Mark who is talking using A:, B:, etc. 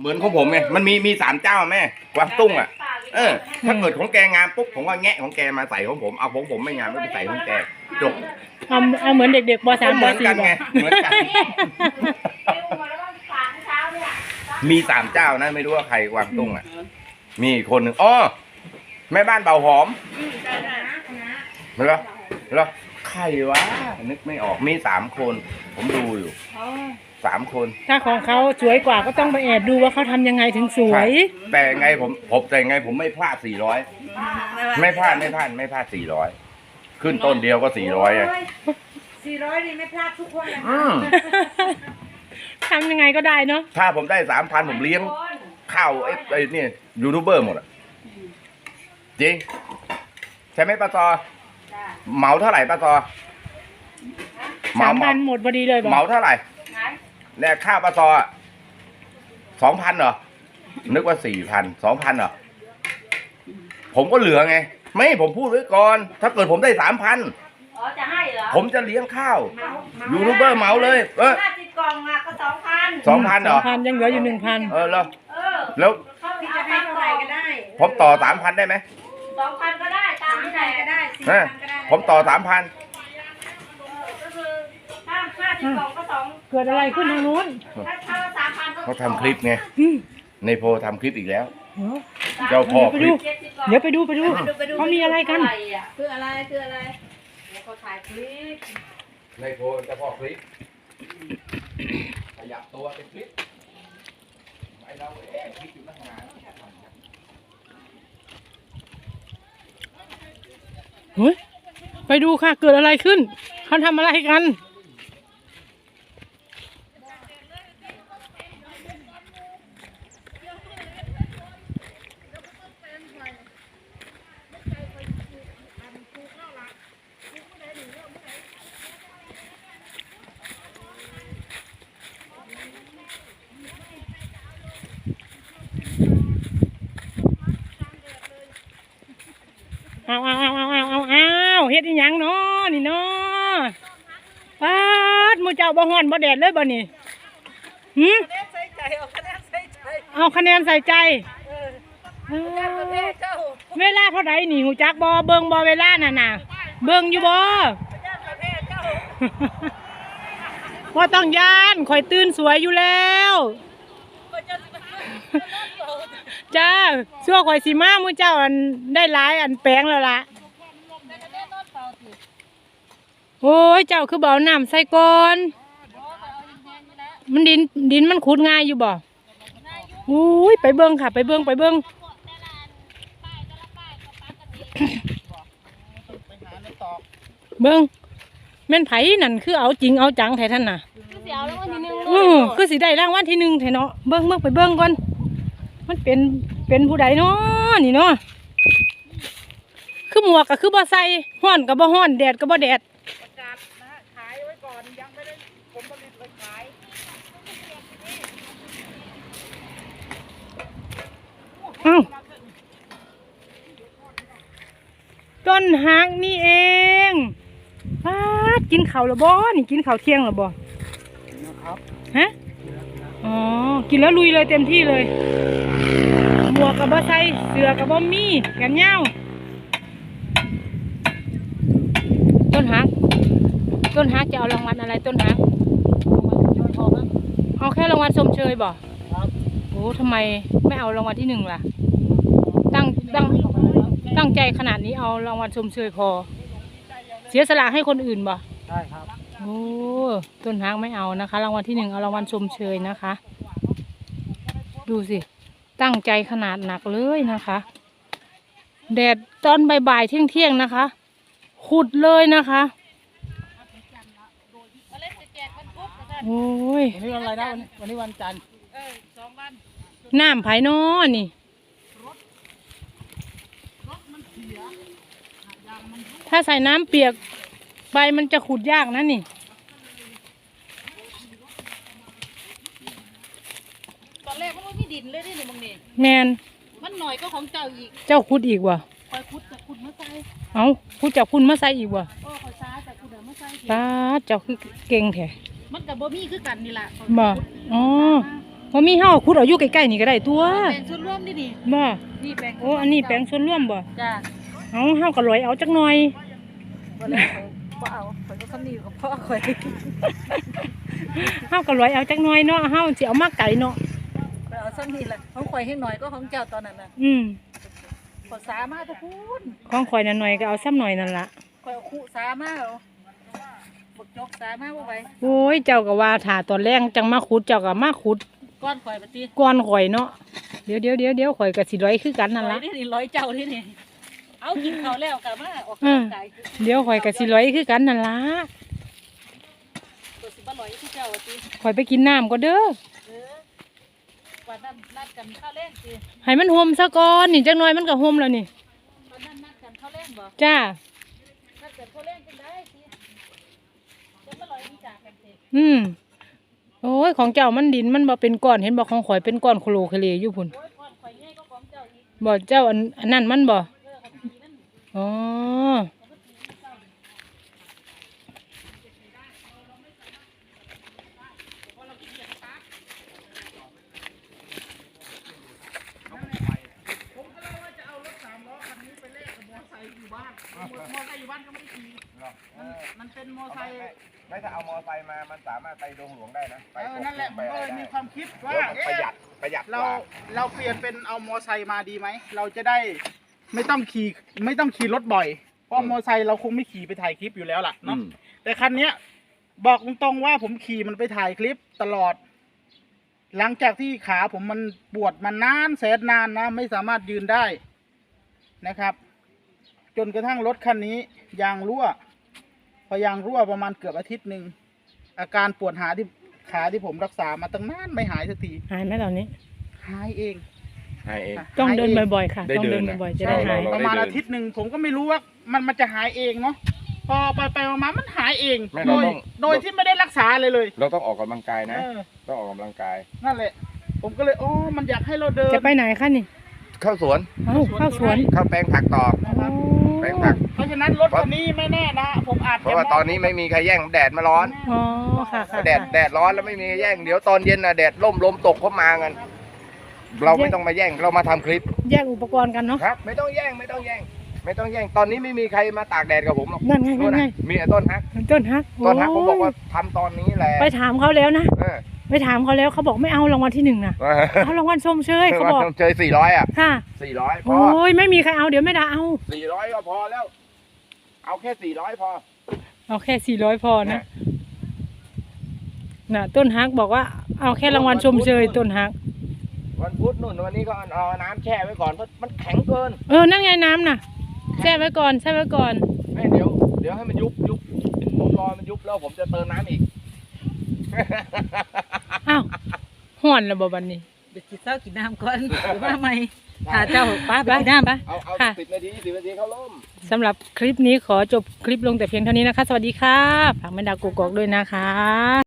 A: เหมือนของผมไงมันมี3 เจ้าแม่กวางตุ้งอ่ะถ้าเกิดของแกงามปุ๊บผมก็แงะของแกมาใส่ของผมเอาของผมไม่งามไม่ไปใส่ของแกจบ
B: เอาเหมือนเด็กๆป.3 ป.4
A: เหมือนกันไงเหมือนกันมี3 เจ้านะไม่รู้ว่าใครกวางตุ้งอ่ะมีคนหนึ่งอ๋อแม่บ้านเบาหอมไม่หรอใครวะนึกไม่ออกมี3 คนผมดูอยู่3 คน
B: ถ้าของเขาสวยกว่าก็ต้องไปแอบดูว่าเขาทำยังไงถึงสวย
A: แต่ไงผมไม่พลาด400ไม่พลาด400ขึ้นต้นเดียวก็400อ่ะ
C: 400นี่ไม่พลาดทุกคนเลย
B: ทำยังไงก็ได้เนาะ
A: ถ้าผมได้ 3,000ผมเลี้ยงข้าวไอ้นี่ยูทูบเบอร์หมดอ่ะจริงใช่ไหมป้าซอเหมาเท่าไหร่ป้าซอ
B: 3,000หมดพอดีเลย
A: เหมาเท่าไหร่เนี่ยค่าป้าซอ2,000เหรอนึกว่า4,000 2,000เหรอผมก็เหลือไงไม่ผมพูดไว้ก่อนถ้าเกิดผมได้ 3,000
C: จะให้เหรอ
A: ผมจะเลี้ยงข้าวยูทูบเบอร์เหมาเลย
C: 50 กล่องอ่ะก็
A: 2,000เหรอ
B: 2,000ยังเหลืออยู่ 1,000
A: แล้ว
C: พี่จะให้เท่าไหร่ก็ได้
A: ผมต่อ 3,000ได้ไหม
C: 2,000ก็ได้ตามที่ไหนก็ได้4,000ก็ได้
A: ผมต่อ 3,000
C: ก็คือถ้า50 กล่องก็2
B: เกิดอะไรขึ้นทางนู้น
C: ถ้า3,000
A: เขาทำคลิปไงในโพทำคลิปอีกแล้วเจ้าพ่อคลิป
B: เดี๋ยวไปดูเขามีอะไรกัน
C: คืออะไรเดี๋ยวเขาถ่ายคลิป
A: ในโพเจ้าพ่อคลิปขยับตัวเป็นคลิปไอเราคลิปอยู่ตั้งนาน
B: เฮ้ยไปดูค่ะเกิดอะไรขึ้นเขาทำอะไรกันเอาเฮ็ดอีหยังเนาะนี่เนาะปาดมูเจ้าบ่ฮ้อนบ่แดดเลยบ่นี่เอาคะแนนใส่ใจเวลาเท่าไหร่นี่หูจักบ่เบิ่งบ่เวลาน่ะเบิ่งอยู่บ่ว่าต้องย่านข่อยตื่นสวยอยู่แล้วจ้าชั่วข่อยสีมามูเจ้าอันได้หลายอันแปลงแล้วล่ะโอ้ยเจ้าคือบ่เอาน้ำใส่ก่อนมันดินมันขุดง่ายอยู่บ่โอ้ยไปเบิ่งค่ะไปเบิ่งแม่นไผนั่นคือเอาจริงเอาจังแท้ท่านน่ะคือสิได้รางวัลที่ 1แท้เนาะเบิ่งไปเบิ่งก่อนมันเป็นผู้ใดเนาะนี่เนาะคือหมวกก็คือบ่ใส่ฮ้อนก็บ่ฮ้อนแดดก็บ่แดดขายไว้ก่อนยังไม่ได้ผลผลิตเลยขายต้นหางนี่เองกินข้าวหรือบ่นี่กินข้าวเที่ยงหรือบ่ฮะอ๋อกินแล้วลุยเลยเต็มที่เลยหมวกกับบ่ใส่เสื้อกับบ่มีแขนยาวต้นฮักจะเอารางวัลอะไรต้นฮักเอาแค่รางวัลชมเชยบ่โอ้ทำไมไม่เอารางวัลที่ 1ล่ะตั้งใจขนาดนี้เอารางวัลชมเชยพอเสียสละให้คนอื่นบ่
D: ใช่ครับ
B: โอ้ต้นฮักไม่เอานะคะรางวัลที่ 1เอารางวัลชมเชยนะคะดูสิตั้งใจขนาดหนักเลยนะคะแดดตอนบ่ายๆเที่ยงนะคะขุดเลยนะคะโอ้ย
D: วันนี้วันอะไรนะวันนี้วันจันทร์
C: 2 วัน
B: น้ำไผ่นอนี่ถ้าใส่น้ำเปียกใบมันจะขุดยากนะนี่
C: ตอนแรกมันไม่มีดินเลยนี่บางนี่
B: แมน
C: มันหน่อยก็ของเจ้าอีก
B: เจ้าขุดอีกวะ
C: คอยขุดจากขุดมาใส่
B: ขุดจากขุดมาใส่อีกวะ
C: คอยซ้าจากขุดมาใส่
B: ตาเจ้าคือเก่งแท้
C: มันกับบ่มีคือกันนี่แหละ
B: บ่อ๋อพอมีเฮาขุดเอาอยู่ใกล้ๆนี่ก็ได้ตัว
D: แบ่งส่วนร่วมนี่นี่
B: บ่
D: นี่แบ่ง
B: โอ้อันนี้แปลงส่วนร่วมบ่
D: จ้า
B: เฮาก็ลอยเอาจักหน่อย
D: บ่แล้วบ่เอาข่อยก็คำนี้กับพ่อข่อย
B: เฮาก็ลอยเอาจักหน่อยเนาะเฮาสิเอามาไก่เนาะ
D: ข่อยเอาซ้ำนี่แหละของข่อยให้หน่อยก็ของเจ้าตอนนั้นน่ะ
B: อืม
D: ขอสามาทุกพูน
B: ของข่อยน่ะหน่อยก็เอาซ้ำหน่อยนั่นล่ะ
D: ข่อยเอาคู่สามาเอาบักจกสามาบ่ไหว
B: โอ้ยเจ้าก็ว่าถ้าตอนแรงจังมาขุดเจ้าก็มาขุด
D: ก้อนข่อยปฏิ
B: ก่อนข่อยเนาะเดี๋ยวข่อยก็สิลอยคือกันนั่น
D: ร้อ
B: ล่ะ
D: ยนี่ร้อยเจ้าที่นี่เอากินเขาวแล้วกลับมาออกกำลังกาย
B: เดี๋ยวข่อยก็สิลอยคือกันนั่นล่ะ
D: ตัวสิบ่ร้อยที่เจ้าปฏิ
B: ข่อยไปกินน้ำก็เด้อ
D: วันนั้นนัดกันข้าวเล่นสิ
B: ให้มันห่มซะก่อนนี่จักหน่อยมันก็ห่มแล้วนี่
D: วันนั้นนัดกันข้าวเล่นบ่
B: จ้า
D: นัดกันข้าวเล่นกันได้สิจะบ่ร้อยที่จากกันสิ
B: โอ้ยของเจ้ามันดินมันบ่เป็นก้อนเห็นบ่ของข่อยเป็นก้อนโคโลเคเลอยู่พุ่น
D: โอ้ยก่อนข่อยใหญ่ก็ของเจ้าอีก
B: บ่เจ้าอันนั้นมันบ่อ๋อ
D: มันเป็นมอไซค์
A: ไม่ถ้าเอามอไซค์มามันสามารถไปดงหลวงได้นะไป
E: นั่นแหละผมก็เลยมีความคิดว่า
A: ประหยัดก
E: เรา
A: ว่า
E: เราเปลี่ยนเป็นเอามอไซค์มาดีไหมเราจะได้ไม่ต้องขี่รถบ่อยเพราะมอไซค์เราคงไม่ขี่ไปถ่ายคลิปอยู่แล้วล่ะเนาะแต่คันเนี้ยบอกตรงๆว่าผมขี่มันไปถ่ายคลิปตลอด หลังจากที่ขาผมมันปวดมานานแสนนานนะไม่สามารถยืนได้นะครับ จนกระทั่งรถคันนี้ยางรั่ว พอยางรั่วประมาณเกือบอาทิตย์หนึ่งอาการปวดขาที่ผมรักษามาตั้งนานไม่หายสักที
B: หายไหมตอนนี้
E: หายเอง
A: ให้เอง
B: ต้องเดิน
E: หายเอง
B: บ่อยๆค่ะ
A: ได้
B: ต้อง
A: เดิ
B: เดิ
A: น
B: น
A: นะ
B: บ่อยๆจะได้หาย
A: เรา
E: ประมาณอาทิตย์หนึ่งผมก็ไม่รู้ว่ามันจะหายเองเนาะพอไปมามันหายเอง
A: ไม่
E: โด
A: เรา
E: ย
A: ต้อง
E: โดยที่ไม่ได้รักษาเลย
A: เราต้องออกกำลังกายนะ
E: เออ
A: ต้องออกกำลังกาย
E: นั่นแหละ ผมก็เลยมันอยากให้เราเดิน
B: จะไปไหนคะนี่
A: เข้าสวน
B: เข้าสวน
A: เข้าแปลงผักต่อ
E: นะครับ
A: แปลงผัก
E: เพราะฉะนั้นรถคันนี้ไม่แน่นะผมอาจ
A: เพราะว่าตอนนี้ไม่มีใครแย่งแดดมาร้อน
B: อ๋อค่ะค่ะ
A: แดดร้อนแล้วไม่มีใครแย่งเดี๋ยวตอนเย็นน่ะแดดลมตกเข้ามากันเราไม่ต้องมาแย่งเรามาทำคลิป
B: แยกอุปกรณ์กันเนาะ
A: ครับ ไม่ต้องแย่งตอนนี้ไม่มีใครมาตากแดดกับผมหรอก
B: นั่นไงนั่นไง
A: มีแต่ต้นฮัก
B: ต้นฮัก
A: ผมบอกว่าทำตอนนี้แหละ
B: ไปถามเขาแล้วนะ
A: เออ
B: ไปถามเขาแล้วเขาบอกไม่เอารางวัลที่หนึ่งนะเอารางวัลชมเชยเขาบอก
A: เจอ400อ่ะ
B: ค่ะ
A: 400พอ
B: โอ้ยไม่มีใครเอาเดี๋ยวไม่ได้เอา
A: 400ก็พอแล้ว เอาแค่400พอ
B: เอาแค่400พอนะน่ะต้นฮักบอกว่าเอาแค่รางวัลชมเชยต้นฮัก
A: วันพุธนู่นวันนี้ก็เอาน้ำแช่ไว้ก่อนเพราะมันแข็งเกิน
B: นั่นไงน้ำน่ะแช่ไว้ก่อนแช่ไว้ก่อน
A: ไม่เดี๋ยวให้มันยุบผมรอมันยุบแล้วผมจะเติมน้ำอีก
B: อ้าวห่อนแล้วบ่บัดนี้
D: เดี๋ยวกินข้าวกินน้ำก่อนหรือว่าไม่หาเจ้าป้าไปกินน้ำปะ
A: เอา
B: ค่ะ
A: 10 นาที20 นาทีเข้าร่ม
B: สำหรับคลิปนี้ขอจบคลิปลงแต่เพียงเท่านี้นะคะ สวัสดีค่ะฝากแม่ดาวกกอกด้วยนะคะ